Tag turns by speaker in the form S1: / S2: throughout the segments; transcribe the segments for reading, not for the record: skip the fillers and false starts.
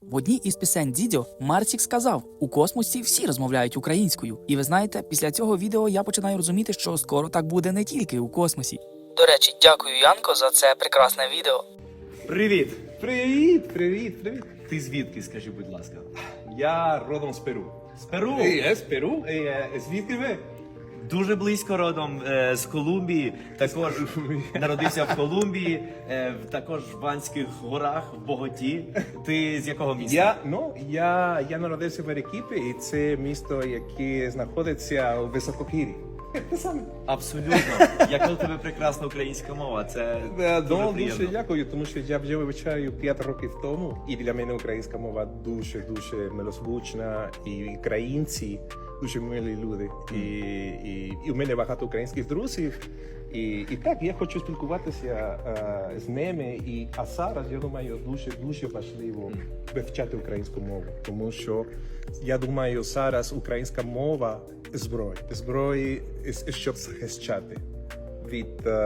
S1: В одній із пісень Дідьо Марсік сказав: у космосі всі розмовляють українською. І ви знаєте, після цього відео я починаю розуміти, що скоро так буде не тільки у космосі. До речі, дякую, Янко, за це прекрасне відео.
S2: Привіт!
S3: Привіт.
S2: Ти звідки, скажи, будь ласка?
S3: Я родом з Перу.
S2: З Перу?
S3: З Перу? Звідки ви?
S2: Дуже близько родом з Колумбії. Також народився в Колумбії, також в Ванських горах, в Боготі. Ти з якого міста?
S3: Я народився в Арекіпі, і це місто, яке знаходиться у високогір'ї. Те саме.
S2: Абсолютно. Яка у тебе прекрасна українська мова. Це дуже приємно.
S3: Дуже дякую, тому що я вже вивчаю 5 років тому, і для мене українська мова дуже милозвучна, і українці дуже милі люди. І у мене багато українських друзів. І так, я хочу спілкуватися з ними. А зараз, я думаю, дуже важливо вивчати українську мову. Тому що, я думаю, зараз українська мова – зброї, щоб захищати від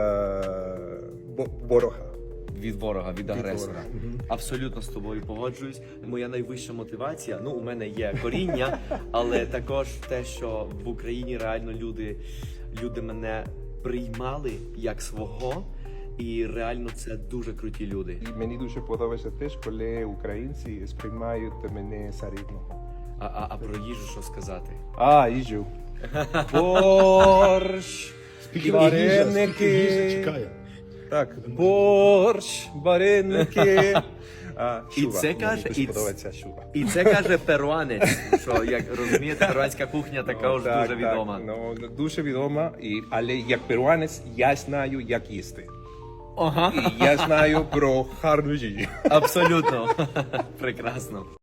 S3: ворога.
S2: Від ворога, від агресора.
S3: ворога.
S2: Абсолютно з тобою погоджуюсь. Моя найвища мотивація, у мене є коріння, але також те, що в Україні реально люди мене приймали як свого, і реально це дуже круті люди.
S3: І мені дуже подобається теж, коли українці сприймають мене за рідного.
S2: А про їжу що сказати?
S3: Їжу. Борщ, вареники. Так, борщ, вареники.
S2: І це каже перуанець, що, як розумієте, перуанська кухня також дуже відома.
S3: Дуже відома, але як перуанець я знаю, як їсти.
S2: Ага.
S3: І я знаю про гарну їжу.
S2: Абсолютно. Прекрасно.